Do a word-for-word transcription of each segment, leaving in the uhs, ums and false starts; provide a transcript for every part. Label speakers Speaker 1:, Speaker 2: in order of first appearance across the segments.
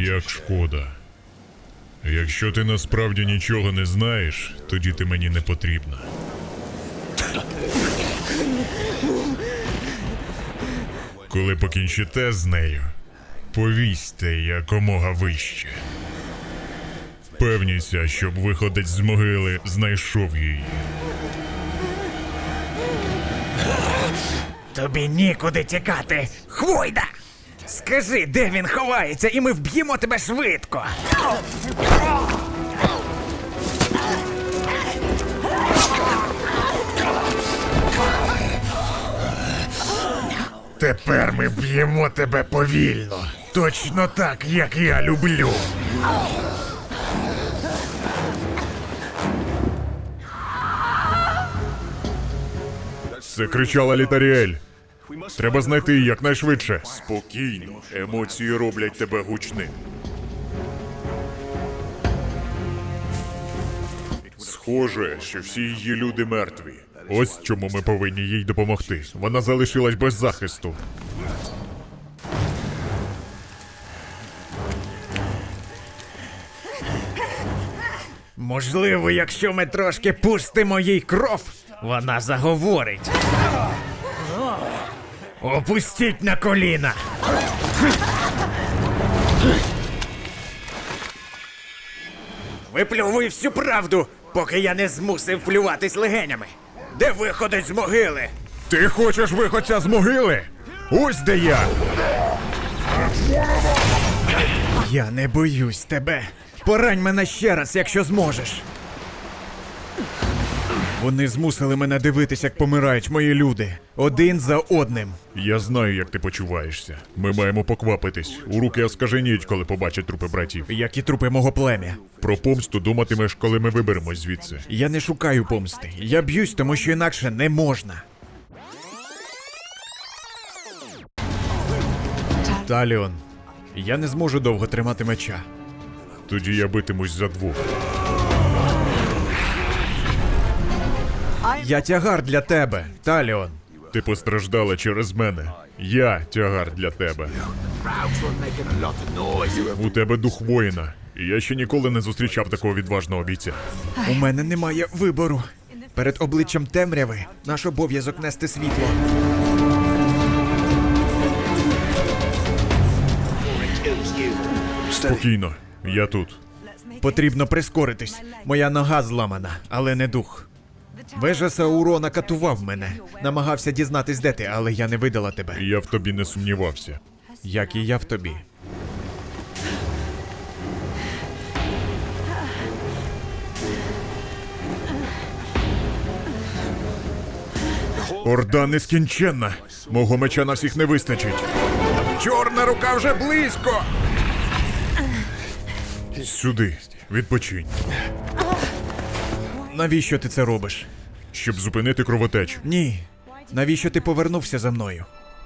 Speaker 1: Як шкода. Якщо ти насправді нічого не знаєш, тоді ти мені не потрібна. Коли покінчите з нею, повісьте якомога вище. Впевніться, щоб виходець з могили знайшов її.
Speaker 2: Тобі нікуди тікати, Хвойда! Скажи, де він ховається, і ми вб'ємо тебе швидко!
Speaker 3: Тепер ми б'ємо тебе повільно. Точно так, як я люблю.
Speaker 1: Це кричала Літаріель. Треба знайти її якнайшвидше. Спокійно. Емоції роблять тебе гучним. Схоже, що всі її люди мертві. Ось чому ми повинні їй допомогти. Вона залишилась без захисту.
Speaker 2: Можливо, якщо ми трошки пустимо їй кров, вона заговорить. Опустіть на коліна! Виплювуй всю правду, поки я не змусив плюватись легенями. Де виходить з могили?
Speaker 3: Ти хочеш виходця з могили? Ось де я!
Speaker 2: Я не боюсь тебе. Порань мене ще раз, якщо зможеш. Вони змусили мене дивитись, як помирають мої люди. Один за одним.
Speaker 1: Я знаю, як ти почуваєшся. Ми маємо поквапитись. У руки оскаженіють, коли побачать трупи братів.
Speaker 2: Як і трупи мого плем'я.
Speaker 1: Про помсту думатимеш, коли ми виберемось звідси.
Speaker 2: Я не шукаю помсти. Я б'юсь, тому що інакше не можна. Таліон, я не зможу довго тримати меча.
Speaker 1: Тоді я битимусь за двох.
Speaker 2: Я тягар для тебе, Таліон.
Speaker 1: Ти постраждала через мене. Я тягар для тебе. У тебе дух воїна. І я ще ніколи не зустрічав такого відважного бійця.
Speaker 2: У мене немає вибору. Перед обличчям темряви наш обов'язок нести світло.
Speaker 1: Спокійно, я тут.
Speaker 2: Потрібно прискоритись. Моя нога зламана, але не дух. Вежа Саурона катував мене. Намагався дізнатись, де ти, але я не видала тебе.
Speaker 1: Я в тобі не сумнівався.
Speaker 2: Як і я в тобі.
Speaker 1: Орда нескінченна. Мого меча на всіх не вистачить.
Speaker 3: Чорна рука вже близько!
Speaker 1: Сюди. Відпочинь.
Speaker 2: Навіщо ти це робиш?
Speaker 1: Щоб зупинити кровотечу.
Speaker 2: Ні. Навіщо ти повернувся за мною?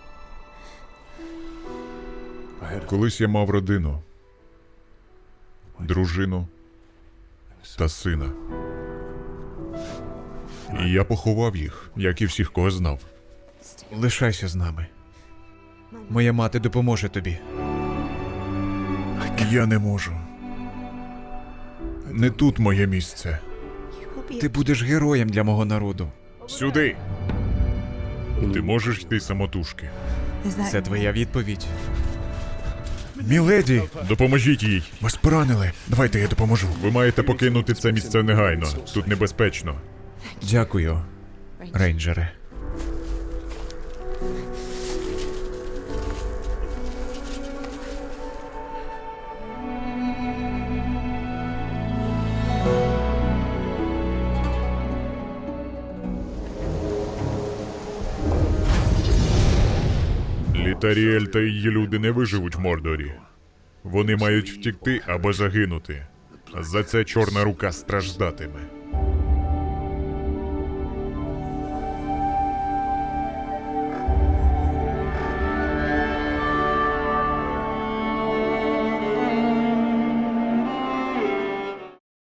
Speaker 1: Колись я мав родину. Дружину та сина. І я поховав їх, як і всіх, кого знав.
Speaker 2: Лишайся з нами. Моя мати допоможе тобі.
Speaker 1: Я не можу. Не тут моє місце.
Speaker 2: Ти будеш героєм для мого народу.
Speaker 1: Сюди! Ти можеш йти самотужки.
Speaker 2: Це твоя відповідь.
Speaker 3: Міледі,
Speaker 1: Допоможіть їй.
Speaker 3: вас поранили. Давайте я допоможу.
Speaker 1: Ви маєте покинути це місце негайно. Тут небезпечно.
Speaker 2: Дякую, рейнджере.
Speaker 1: Літаріель та її люди не виживуть в Мордорі. Вони мають втікти або загинути. За це Чорна рука страждатиме.